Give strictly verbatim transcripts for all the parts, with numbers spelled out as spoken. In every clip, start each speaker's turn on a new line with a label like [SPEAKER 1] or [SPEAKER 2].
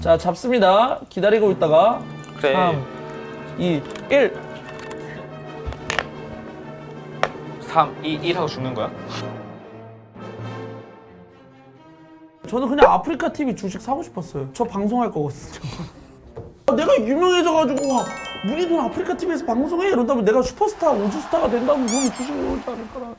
[SPEAKER 1] 자, 잡습니다. 기다리고 있다가
[SPEAKER 2] 그래.
[SPEAKER 1] 삼, 이, 일.
[SPEAKER 2] 삼, 이, 일 하고 죽는 거야?
[SPEAKER 1] 저는 그냥 아프리카 티비 주식 사고 싶었어요. 저 방송할 거거든요. 내가 유명해져가지고 와, 우리 돈 아프리카 티비에서 방송해 이런다면 내가 슈퍼스타, 우주스타가 된다면 그러면 주식이 오지 않을까나.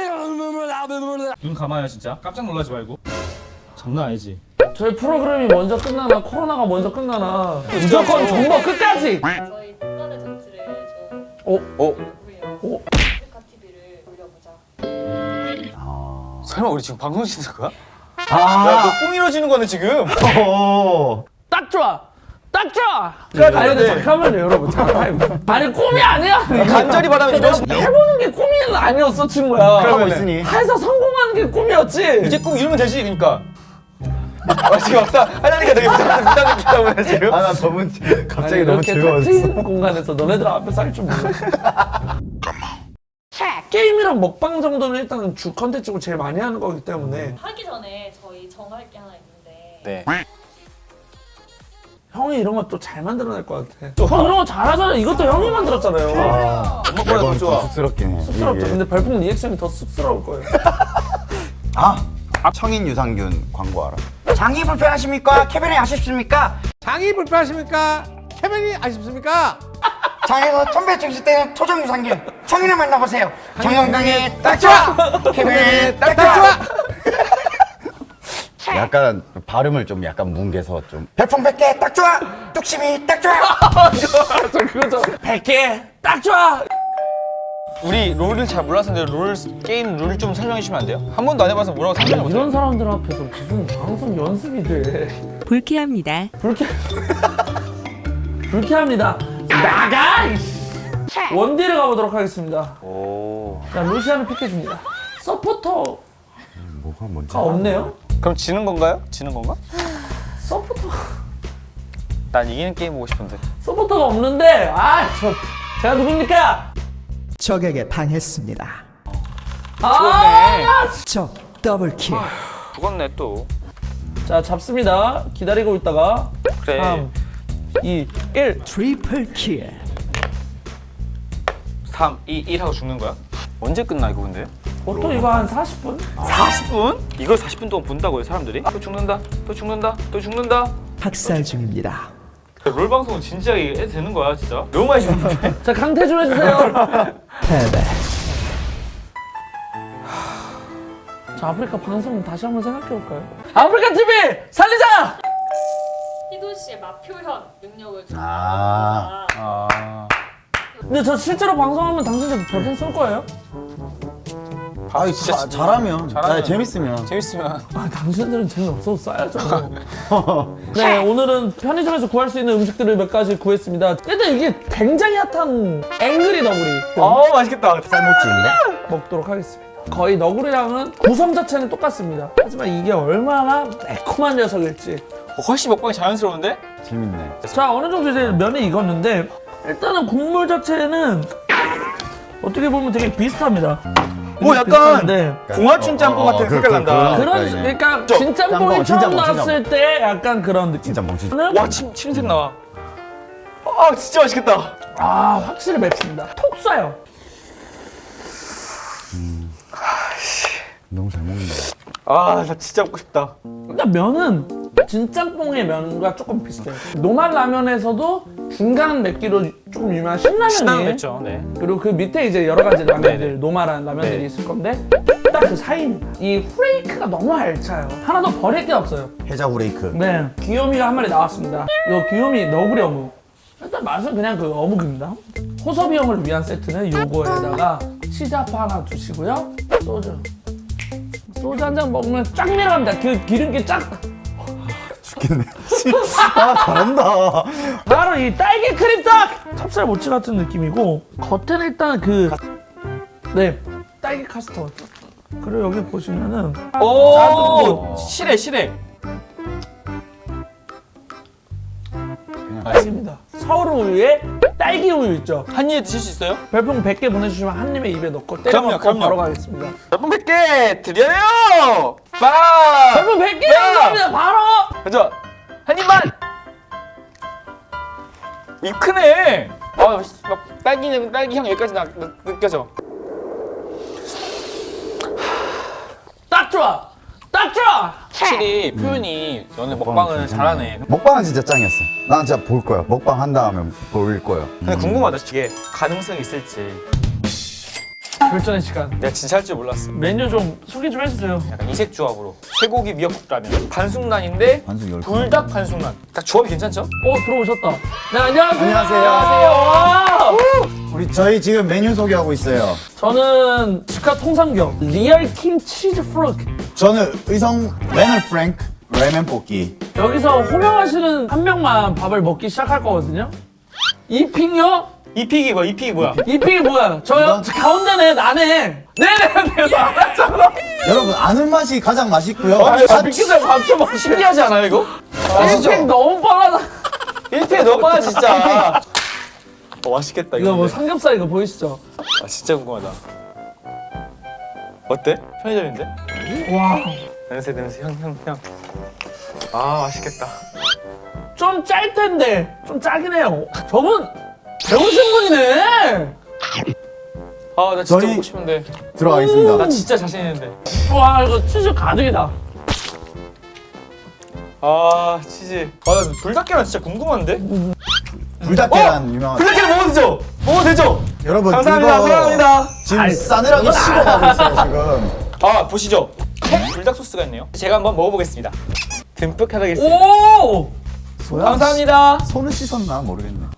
[SPEAKER 3] 눈 감아요 진짜. 깜짝 놀라지 말고. 장난 아니지.
[SPEAKER 1] 저희 프로그램이 먼저 끝나나 코로나가 먼저 끝나나 무조건 정보 끝까지.
[SPEAKER 4] 저희 특단의 전치를 좀
[SPEAKER 1] 어?
[SPEAKER 2] 어?
[SPEAKER 4] 하고요.
[SPEAKER 1] 어?
[SPEAKER 4] 아프리카 티비를 올려보자.
[SPEAKER 2] 설마 우리 지금 방송 찍는 거야?
[SPEAKER 5] 아.
[SPEAKER 2] 야, 너 꿈 이뤄지는 거네 지금.
[SPEAKER 5] 어.
[SPEAKER 1] 딱 좋아. 딱 좋아.
[SPEAKER 2] 그래,
[SPEAKER 1] 아니 근데
[SPEAKER 2] 네.
[SPEAKER 1] 잠깐만요 여러분. 잠깐만. 아니 꿈이 아니야.
[SPEAKER 2] 간절히 바라면
[SPEAKER 1] 내가
[SPEAKER 2] 이런.
[SPEAKER 1] 해보는 게 꿈이 아니었어 친구야.
[SPEAKER 2] 그러면은.
[SPEAKER 5] 있으니.
[SPEAKER 1] 해서 성공하는 게 꿈이었지.
[SPEAKER 2] 이제 꿈 이루면 되지 그러니까. 아, 지금 막상 하려니까 되게 부담 느끼다 보네 지금.
[SPEAKER 5] 아, 나 너무 갑자기
[SPEAKER 1] 아니,
[SPEAKER 5] 너무
[SPEAKER 1] 이렇게
[SPEAKER 5] 즐거웠어.
[SPEAKER 1] 닫힌 공간에서 너네들 앞에서 할 줄 몰랐어. 게임이랑 먹방 정도는 일단 주 컨텐츠고 제일 많이 하는 거기 때문에
[SPEAKER 4] 하기 전에 저희 정할 게 하나 있는데
[SPEAKER 2] 네.
[SPEAKER 1] 형이 이런 거 또 잘 만들어낼 것 같아. 형 이런 거 잘하잖아요. 이것도 형이 만들었잖아요.
[SPEAKER 2] 엄마보다 더
[SPEAKER 5] 매번
[SPEAKER 2] 좋아.
[SPEAKER 5] 좀 쑥스럽긴 해.
[SPEAKER 1] 쑥스럽죠.
[SPEAKER 5] 이게.
[SPEAKER 1] 근데 별풍 리액션이 더 쑥스러울 거예요.
[SPEAKER 5] 아, 청인 유산균 광고 알아?
[SPEAKER 6] 장이 불편하십니까? 캐비닛 아쉽습니까?
[SPEAKER 7] 장이 불편하십니까? 캐비닛 아쉽습니까?
[SPEAKER 6] 장에서 천배 증식 때는 토종 유산균 청인을 만나보세요. 정건강에 딱 좋아. 캐비닛 딱 좋아.
[SPEAKER 5] 약간 발음을 좀 약간 뭉개서 좀
[SPEAKER 6] 별풍백개 딱 좋아. 뚝심이 딱 좋아.
[SPEAKER 1] 저 그거죠. 백 개 딱 좋아.
[SPEAKER 2] 우리 롤을 잘 몰라서인데 롤 게임 룰 좀 설명해 주시면 안 돼요? 한 번도 안 해봐서 뭐라고 설명을 못해요.
[SPEAKER 1] 이런 사람들 앞에서 무슨 방송 연습이 돼.
[SPEAKER 8] 불쾌합니다.
[SPEAKER 1] 불쾌. 불쾌합니다. 나가! 이씨. 원딜을 가보도록 하겠습니다.
[SPEAKER 2] 오.
[SPEAKER 1] 자, 루시안을 픽해줍니다. 서포터가
[SPEAKER 5] 뭐가 뭔지
[SPEAKER 1] 없네요?
[SPEAKER 2] 그럼 지는 건가요? 지는 건가?
[SPEAKER 1] 서포터
[SPEAKER 2] 난 이기는 게임 보고 싶은데.
[SPEAKER 1] 서포터가 없는데 아, 저 제가 누굽니까?
[SPEAKER 9] 적에게 당했습니다.
[SPEAKER 1] 아,
[SPEAKER 9] 적 더블킬.
[SPEAKER 2] 죽었네 또.
[SPEAKER 1] 자, 잡습니다. 기다리고 있다가
[SPEAKER 2] 그래.
[SPEAKER 1] 삼, 이, 일.
[SPEAKER 9] 트리플 킬.
[SPEAKER 2] 삼, 이, 일 하고 죽는 거야? 언제 끝나 이거 근데?
[SPEAKER 1] 보통 이거 한 사십 분?
[SPEAKER 2] 사십 분? 이걸 사십 분 동안 본다고요 사람들이? 또 죽는다, 또 죽는다, 또 죽는다.
[SPEAKER 9] 학살 중입니다.
[SPEAKER 2] 롤 방송은 진지하게 해도 되는 거야 진짜? 너무 많이 죽는데?
[SPEAKER 1] 자, 강퇴 좀 해주세요.
[SPEAKER 9] 패배.
[SPEAKER 1] 자, 아프리카 방송 다시 한번 생각해볼까요? 아프리카 티비 살리자!
[SPEAKER 4] 희도 씨의 맛표현 능력을 좀
[SPEAKER 5] 아.
[SPEAKER 2] 아...
[SPEAKER 1] 근데 저 실제로 방송하면 당신들 별풍 쏠 거예요?
[SPEAKER 5] 아, 진짜 잘하면,
[SPEAKER 2] 잘하면.
[SPEAKER 5] 아, 재밌으면.
[SPEAKER 2] 재밌으면
[SPEAKER 1] 아, 당신들은 재미없어서 싸야죠. 네, 오늘은 편의점에서 구할 수 있는 음식들을 몇 가지 구했습니다. 일단 이게 굉장히 핫한 앵그리 너구리
[SPEAKER 2] 어 맛있겠다.
[SPEAKER 5] 쌀먹지인데?
[SPEAKER 1] 먹도록 하겠습니다. 거의 너구리랑은 구성 자체는 똑같습니다. 하지만 이게 얼마나 매콤한 녀석일지.
[SPEAKER 2] 어, 훨씬 먹방이 자연스러운데?
[SPEAKER 5] 재밌네.
[SPEAKER 1] 자, 어느 정도 이제 면이 익었는데 일단은 국물 자체는 어떻게 보면 되게 비슷합니다.
[SPEAKER 2] 오 약간
[SPEAKER 1] 비슷한데
[SPEAKER 2] 공화춘 짬뽕
[SPEAKER 5] 어,
[SPEAKER 2] 같은
[SPEAKER 5] 어,
[SPEAKER 2] 색깔
[SPEAKER 5] 그,
[SPEAKER 2] 난다.
[SPEAKER 5] 그,
[SPEAKER 1] 그런
[SPEAKER 5] 그러니까
[SPEAKER 1] 그러니까
[SPEAKER 2] 저,
[SPEAKER 1] 진짬뽕이
[SPEAKER 5] 짬뽕,
[SPEAKER 1] 처음
[SPEAKER 5] 진짬뽕,
[SPEAKER 1] 나왔을 때 약간 그런 느낌.
[SPEAKER 5] 진짜 멍치.
[SPEAKER 2] 와 침, 침색 나와. 아 진짜 맛있겠다.
[SPEAKER 1] 아, 확실히 맵습니다. 톡 쏴요.
[SPEAKER 5] 너무 잘 먹는다.
[SPEAKER 2] 아 나 진짜 먹고 싶다.
[SPEAKER 1] 그러니까 면은 진짬뽕의 면과 조금 비슷해요. 노말 라면에서도 중간 맵기로 조금 유명한 신라면이
[SPEAKER 2] 신라면 맵죠. 네.
[SPEAKER 1] 그리고 그 밑에 이제 여러 가지 라면들,
[SPEAKER 2] 네네.
[SPEAKER 1] 노말한 라면들이
[SPEAKER 2] 네.
[SPEAKER 1] 있을 건데 딱 그 사이입니다. 이 후레이크가 너무 알차요. 하나도 버릴 게 없어요.
[SPEAKER 5] 해자 후레이크.
[SPEAKER 1] 네, 귀요미가 한 마리 나왔습니다. 이 귀요미 너구리 어묵. 일단 맛은 그냥 그 어묵입니다. 호섭이 형을 위한 세트는 요거에다가 치자파 하나 주시고요. 소주. 소주 한 잔 먹으면 쫙 내려갑니다. 그 기름기 쫙.
[SPEAKER 5] 죽겠네. 아, 잘한다.
[SPEAKER 1] 바로 이 딸기 크림떡! 찹쌀 모찌 같은 느낌이고 겉에는 일단 그 네, 딸기 카스터드. 그리고 여기 보시면은
[SPEAKER 2] 오 실해 실해.
[SPEAKER 1] 딸기입니다. 서울 우유에 딸기 우유 있죠?
[SPEAKER 2] 한 입에 드실 수 있어요?
[SPEAKER 1] 별풍 백 개 보내주시면 한 입에 입에 넣고 때려
[SPEAKER 2] 그럼요,
[SPEAKER 1] 먹고
[SPEAKER 2] 그럼요.
[SPEAKER 1] 바로 가겠습니다.
[SPEAKER 2] 몇분 백 개 드려요. 빵.
[SPEAKER 1] 별풍 백 개
[SPEAKER 2] 야!
[SPEAKER 1] 감사합니다. 바로!
[SPEAKER 2] 그죠? 한 입만. 입 크네. 아, 막 딸기 딸기 향 여기까지 나, 느, 느껴져.
[SPEAKER 1] 딱 좋아. 딱 좋아.
[SPEAKER 2] 확실히 표현이 너네 먹방을 잘하네.
[SPEAKER 5] 먹방은 진짜 짱이었어. 난 진짜 볼 거야. 먹방 한 다음에 볼 거야.
[SPEAKER 2] 근데 궁금하다. 이게 가능성이 있을지.
[SPEAKER 1] 결전의 시간.
[SPEAKER 2] 내가 진짜 할 줄 몰랐어.
[SPEAKER 1] 메뉴 좀 소개 좀 해주세요.
[SPEAKER 2] 약간 이색 조합으로 쇠고기 미역국라면 반숙란인데
[SPEAKER 5] 반숙 열 개.
[SPEAKER 2] 불닭 반숙란. 딱 조합이 괜찮죠?
[SPEAKER 1] 어 들어오셨다. 네 안녕하세요.
[SPEAKER 5] 안녕하세요.
[SPEAKER 1] 안녕하세요.
[SPEAKER 5] 우리 저희 지금 메뉴 소개하고 있어요.
[SPEAKER 1] 저는 치카 통삼겹 리얼 킹 치즈 프로크.
[SPEAKER 5] 저는 의성 레널 프랭크 라면 볶기.
[SPEAKER 1] 여기서 호명하시는 한 명만 밥을 먹기 시작할 거거든요. 이핑요?
[SPEAKER 2] 이픽이 뭐야? 이픽이 뭐야?
[SPEAKER 1] 이핑이 뭐야? 저요? 저 가운데네 나네. 네네 내가 알았잖아.
[SPEAKER 5] 여러분 아는 맛이 가장 맛있고요.
[SPEAKER 2] 아,
[SPEAKER 5] 다-
[SPEAKER 1] 미끼들 밥좀 먹.
[SPEAKER 2] 신기하지 않아요 이거?
[SPEAKER 5] 아시죠?
[SPEAKER 1] 이핑 너무 뻔하다.
[SPEAKER 2] 일픽 너무 많아 진짜. 어, 맛있겠다 이거.
[SPEAKER 1] 이거 뭐
[SPEAKER 2] 근데.
[SPEAKER 1] 삼겹살 이거 보이시죠?
[SPEAKER 2] 아, 진짜 궁금하다. 어때? 편의점인데?
[SPEAKER 1] 와.
[SPEAKER 2] 냄새 냄새 향 향 향. 아 맛있겠다.
[SPEAKER 1] 좀 짤 텐데 좀 짜긴 해요. 저분 배우신 분이네.
[SPEAKER 2] 아 나 진짜
[SPEAKER 5] 저희-
[SPEAKER 2] 먹고 싶은데.
[SPEAKER 5] 들어가겠습니다.
[SPEAKER 2] 나 진짜 자신 있는데.
[SPEAKER 1] 와 이거 치즈 가득이다.
[SPEAKER 2] 아 치즈. 아나 불닭계란 진짜 궁금한데?
[SPEAKER 5] 불닭계란 유명한.
[SPEAKER 2] 불닭계란 먹어도 되죠? 먹어도 되죠?
[SPEAKER 5] 여러분
[SPEAKER 2] 감사합니다.
[SPEAKER 5] 이거
[SPEAKER 2] 사랑합니다.
[SPEAKER 5] 지금
[SPEAKER 1] 아이,
[SPEAKER 5] 싸늘하게 식어가고 있어요 지금.
[SPEAKER 2] 아 보시죠. 팩 불닭 소스가 있네요. 제가 한번 먹어보겠습니다. 듬뿍 하겠습니다.
[SPEAKER 1] 오.
[SPEAKER 2] 감사합니다.
[SPEAKER 5] 손을 씻었나 모르겠네.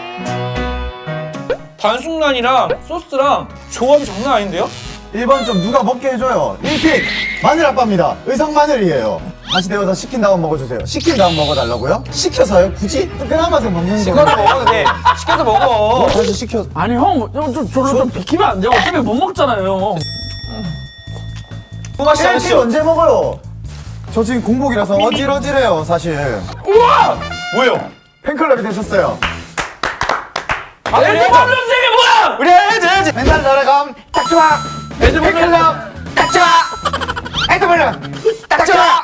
[SPEAKER 2] 반숙란이랑 소스랑 조합이 장난 아닌데요?
[SPEAKER 5] 일 번 좀 누가 먹게 해줘요. 일 픽 마늘 아빠입니다. 의성 마늘이에요. 다시 데워서 식힌 다음 먹어주세요. 식힌 다음 먹어달라고요? 시켜서요? 굳이? 뜨끈한 맛에 먹는
[SPEAKER 2] 시켜서
[SPEAKER 5] 거예요.
[SPEAKER 2] 먹어도 돼. 시켜서 먹어.
[SPEAKER 5] 다시 시켜.
[SPEAKER 1] 아니 형좀 저를 좀 비키면 안 돼요? 어차피 못 먹잖아요.
[SPEAKER 2] 그 맛이
[SPEAKER 5] 일 픽
[SPEAKER 2] 아니죠?
[SPEAKER 5] 언제 먹어요? 저 지금 공복이라서 어질어질해요 사실.
[SPEAKER 1] 우와.
[SPEAKER 2] 뭐예요?
[SPEAKER 5] 팬클럽이 되셨어요.
[SPEAKER 2] 아,
[SPEAKER 1] 애들 방송생이 뭐야?
[SPEAKER 2] 우리 해야지 해야지.
[SPEAKER 5] 맨날 날아감
[SPEAKER 6] 딱 좋아.
[SPEAKER 1] 애들
[SPEAKER 6] 팬클럽 딱 좋아. 애드블룬 딱 좋아.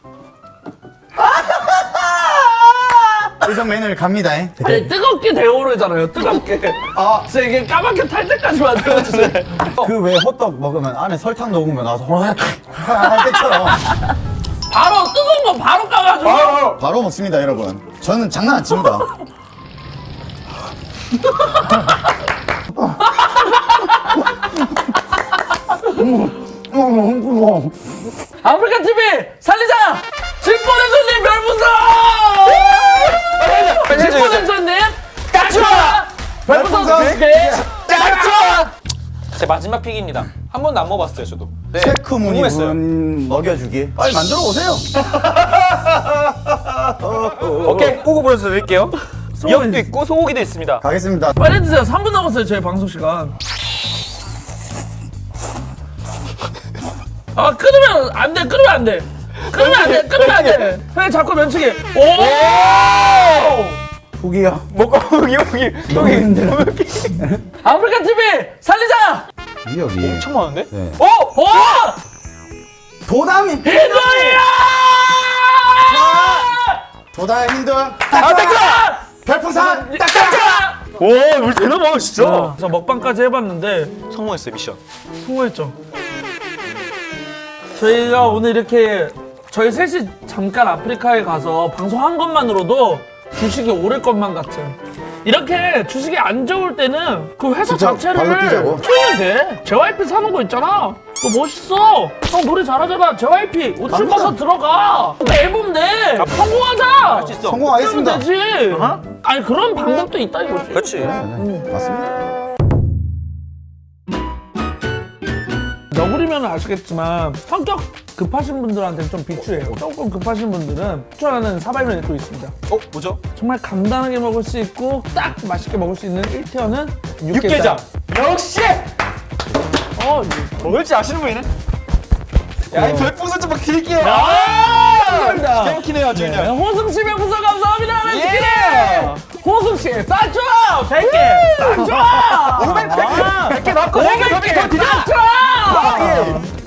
[SPEAKER 5] 의성 메뉴를 갑니다.
[SPEAKER 1] 아니 뜨겁게 데워오르잖아요. 뜨겁게.
[SPEAKER 5] 아,
[SPEAKER 1] 진짜 이게 까맣게 탈 때까지 만들어주세요.
[SPEAKER 5] 그 왜 호떡 먹으면 안에 설탕 녹으면 나서 호락 할 때처럼
[SPEAKER 1] 바로 뜨거운 거 바로 까가지고.
[SPEAKER 5] 바로 먹습니다 여러분. 저는 장난 안 칩니다.
[SPEAKER 1] 아프리카 티비 살리자! 질뻔의 손님 별풍선! 질뻔의 손님 딱 좋아! 별풍선
[SPEAKER 5] 별풍선
[SPEAKER 1] 두 개! 딱 좋아!
[SPEAKER 2] 제 마지막 픽입니다. 한 번도 안 먹어봤어요 저도. 네,
[SPEAKER 5] 체크 무늬
[SPEAKER 2] 궁금했어요.
[SPEAKER 5] 분 먹여주기. 빨리 만들어 오세요.
[SPEAKER 2] 오케이 꼬고 보여서 드릴게요. 미역도 있고 소고기도 있습니다.
[SPEAKER 5] 가겠습니다.
[SPEAKER 1] 빨리 드세요. 삼 분 남았어요 저희 방송 시간. 아 끊으면 안 돼. 끊으면 안 돼. 끊으면 안 돼. 끊으면 안 돼. 그냥 자꾸 면치기. 오!
[SPEAKER 5] 후기야.
[SPEAKER 2] 먹고 여기 여기 여기.
[SPEAKER 1] 아프리카 티비 살리자!
[SPEAKER 5] 미역이.
[SPEAKER 2] 엄청 많은데?
[SPEAKER 5] 네.
[SPEAKER 2] 어?
[SPEAKER 1] 오!
[SPEAKER 5] 도담이.
[SPEAKER 1] 이거야!
[SPEAKER 5] 도담 힌들.
[SPEAKER 2] 아 딱
[SPEAKER 5] 별풍선.
[SPEAKER 1] 딱 좋아!
[SPEAKER 2] 오 우리 대단하다 진짜.
[SPEAKER 1] 그래서 먹방까지 해봤는데
[SPEAKER 2] 성공했어요 미션.
[SPEAKER 1] 성공했죠. 저희가 오늘 이렇게 저희 셋이 잠깐 아프리카에 가서 방송한 것만으로도 주식이 오를 것만 같은. 이렇게 주식이 안 좋을 때는 그 회사
[SPEAKER 5] 진짜
[SPEAKER 1] 자체를
[SPEAKER 5] 발로 뛰자고.
[SPEAKER 1] 키우면 돼. 제이와이피 사는 거 있잖아. 그거 멋있어. 형 노래 잘하잖아. 제이와이피 옷 좀 벗어 들어가. 앨범 내. 성공하자.
[SPEAKER 2] 할 수 있어.
[SPEAKER 5] 성공하겠습니다.
[SPEAKER 1] 그러면 되지. 아니 그런 방법도 있다 이거지.
[SPEAKER 2] 그렇지.
[SPEAKER 5] 맞습니다.
[SPEAKER 1] 너구리면 아시겠지만 성격 급하신 분들한테는 좀 비추해요. 조금 급하신 분들은 추천하는 사발면이 또 있습니다.
[SPEAKER 2] 어 뭐죠?
[SPEAKER 1] 정말 간단하게 먹을 수 있고 딱 맛있게 먹을 수 있는 일 티어는 육개장.
[SPEAKER 2] 육개장. 역시
[SPEAKER 1] 어,
[SPEAKER 2] 먹을 줄 아시는 분이네. 야이 별풍선 좀 막 드릴게요.
[SPEAKER 1] 아, 감사합니다.
[SPEAKER 2] 기가 막히네요 아주
[SPEAKER 1] 네,
[SPEAKER 2] 그냥.
[SPEAKER 1] 호승 씨 별풍선 감사합니다.
[SPEAKER 2] 예.
[SPEAKER 1] 네, 호승 씨, 딱 좋아. 백 개, 딱 좋아.
[SPEAKER 2] 오백 개, 백 개 맞고
[SPEAKER 1] 오백 개, 딱 좋아.